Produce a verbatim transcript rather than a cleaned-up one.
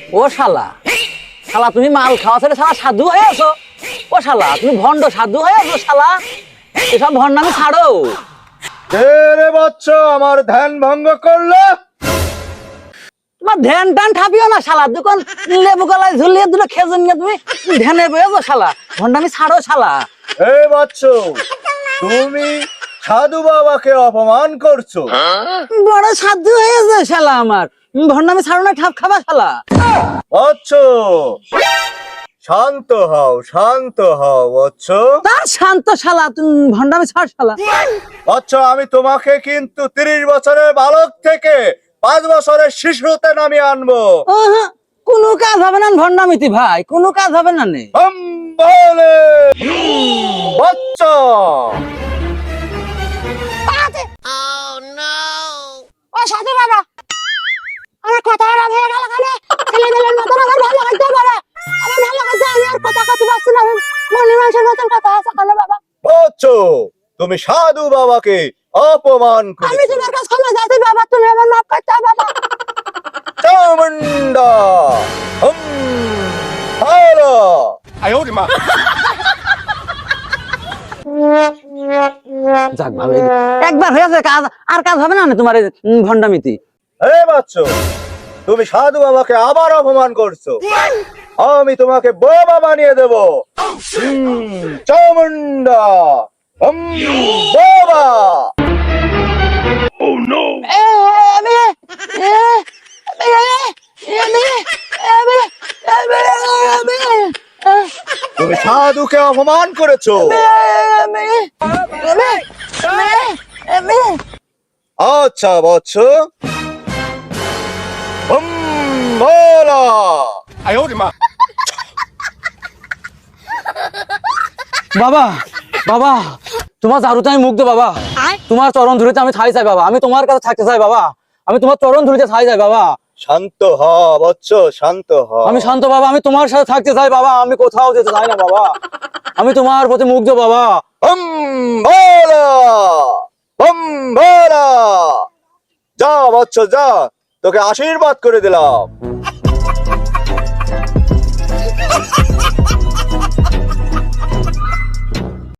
ও শালা, শালা তুমি মাল খাওয়া ছেড়ে শালা সাধু হয়ে আছো। ও শালা তুমি ভণ্ড সাধু হয়ে আছো শালা, এসব ভণ্ডামি ছাড়ো। রে বচ্চ আমার ধ্যান ভঙ্গ করলো। তোমার ধ্যান টান ঠাপিও না শালা, দোকান লেবু গলায় ঝুলিয়ে দুটো খেজুর নিয়ে তুমি ধ্যানে বয়েছো শালা, ভণ্ডামি ছাড়ো শালা। হে বচ্চ, তুমি সাধু বাবাকে অপমান করছো। বড় সাধু হয়েছে শালা আমার, ভণ্ডামি ছাড়ো না, ঠাপ খাবা শালা। বচ্চ শান্ত হও, শান্ত হও বচ্চ। তার শান্ত শালা, তুমি ভণ্ডামি ছাড় শালা। বচ্চ আমি তোমাকে কিন্তু তিরিশ বছরের বালক থেকে পাঁচ বছরের শিশুতে নামিয়ে আনবো। ওহো, কোনো কাজ হবে না ভণ্ডামিতি ভাই, কোনো কাজ হবে না নে। হম বলে বচ্চ। ও সাধু বাবা, আমার কথা খারাপ হয়ে গেল কেন? ছেলেমেয়ের মতন আমার ভালো করতে পারে, আমার ভালো করতে আমি আর কথা কথা পারছি না, মনে মানুষের মতন কথা আছে কেন বাবা? বচ্চ তুমি সাধু বাবাকে অপমান আমি করেছো। তোমার কাছে ক্ষমা চাইছি বাবা, তুমি আমার মাফ করতে হবে বাবা। চামুন্ডা হম ভালো। যাক ভালো হয়েছে। একবার হয়েছে কাজ, আর কাজ হবে না নে তোমার এই ভণ্ডামিতি। হে বাচ্চ, তুমি সাধু বাবাকে আবার অপমান করছো। আমি তোমাকে বোবা বানিয়ে দেব। হুম, চামুন্ডা হম বোবা। এ, আমি, এ, আমি, আমি, আমি, আমি, আমি, তুমি সাধুকে অপমান করেছো। আমি, আমি, আমি, আমি, আচ্ছা বচ্চ, হম বলা। বাবা, বাবা তোমার জারুতে আমি মুগ্ধ বাবা, তোমার চরণ ধুলিতে আমি ঠাই চাই বাবা, আমি তোমার কাছে থাকতে চাই বাবা, আমি তোমার চরণ ধুলিতে ঠাই চাই বাবা। শান্ত হ বচ্চ, শান্ত হ। আমি শান্ত বাবা, আমি তোমার সাথে থাকতে চাই বাবা, আমি কোথাও যেতে চাই না বাবা, আমি তোমার প্রতি মুগ্ধ বাবা। হম বলা, হম বলা। যা বচ্চ যা, তোকে আশীর্বাদ করে দিলাম।